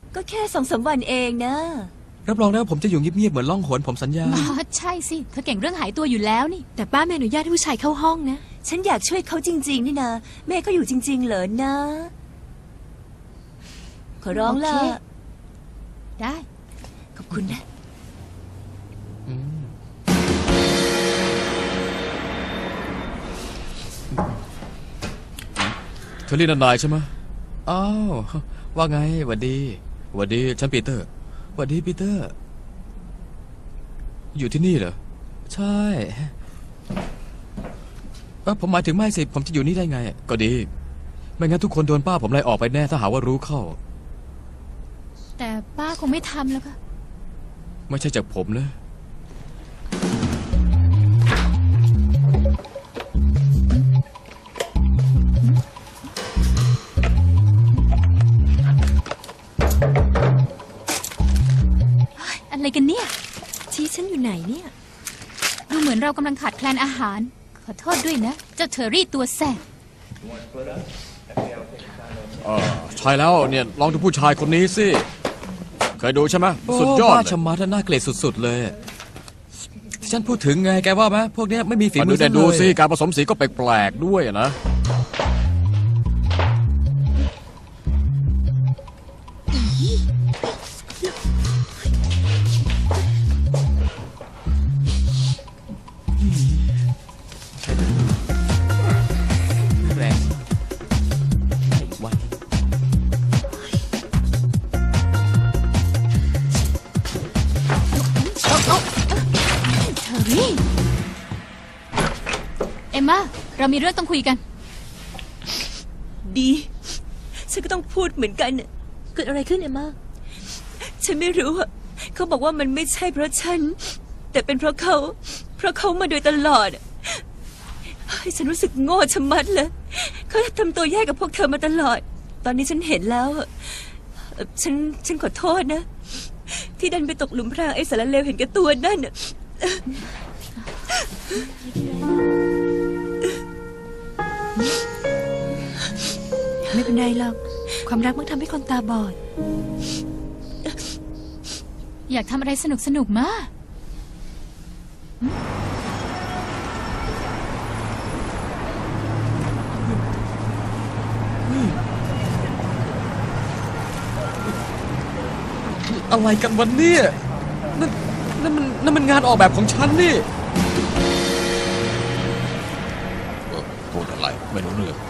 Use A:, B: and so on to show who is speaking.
A: ก็แค่2-3 วันเองนะ
B: รับรองนะผมจะอยู่เงียบๆเหมือนล่องหนผมสัญญา
C: ใช่สิเธอเก่งเรื่องหายตัวอยู่แล้วนี่
D: แต่ป้าไม่อนุญาตให้ผู้ชายเข้าห้องนะ
A: ฉันอยากช่วยเขาจริงๆนี่นะแม่เขาอยู่จริงๆเหรอนะขอร้องล่ะ
C: ได้
A: ขอบคุณนะ
B: เธอเรียกนายใช่ไหมอ้าวว่าไงหวัดดีหวัดดีฉันปีเตอร์หวัดดีปีเตอร์อยู่ที่นี่เหรอใช่ผมหมายถึงไม่สิผมจะอยู่นี่ได้ไงก็ดีไม่งั้นทุกคนโดนป้าผมไล่ออกไปแน่ถ้าหาว่ารู้เข้า
C: แต่ป้าคงไม่ทำแล้วค่ะ
B: ไม่ใช่จากผมนะ
C: อะไรกันเนี่ย
D: ชี้ฉันอยู่ไหนเนี่ย
C: ดูเหมือนเรากำลังขาดแคลนอาหารขอโทษด้วยนะเจ้าเทอรี่ตัวแสบ
B: ใช่แล้วเนี่ยลองดูผู้ชายคนนี้สิเคยดูใช่ไหมสุดยอดชะมัดน่าเกลียดสุดๆเลยที่ฉันพูดถึงไงแกว่าไหมพวกนี้ไม่มีฝีมือเลยดูสิการผสมสีก็แปลกๆด้วยนะแรงวัน
C: เทอรี่เอมม่าเรามีเรื่องต้องคุยกัน
A: ดีฉันก็ต้องพูดเหมือนกันเกิดอะไรขึ้นเอมม่าฉันไม่รู้เขาบอกว่ามันไม่ใช่เพราะฉันแต่เป็นเพราะเขามาโดยตลอดฉันรู้สึกโง่ชะมัดเลยเขาทำตัวแย่กับพวกเธอมาตลอดตอนนี้ฉันเห็นแล้วฉันขอโทษนะที่ดันไปตกหลุมพรางไอ้สารเลวเห็นแก่ตัวนั่น
D: ไม่เป็นไรหรอกความรักมันทำให้คนตาบอด
C: อยากทำอะไรสนุกๆมา
B: อะไรกันวันนี้นั่นมันงานออกแบบของฉันนี่พูดอะไรไม่รู้เรื่อง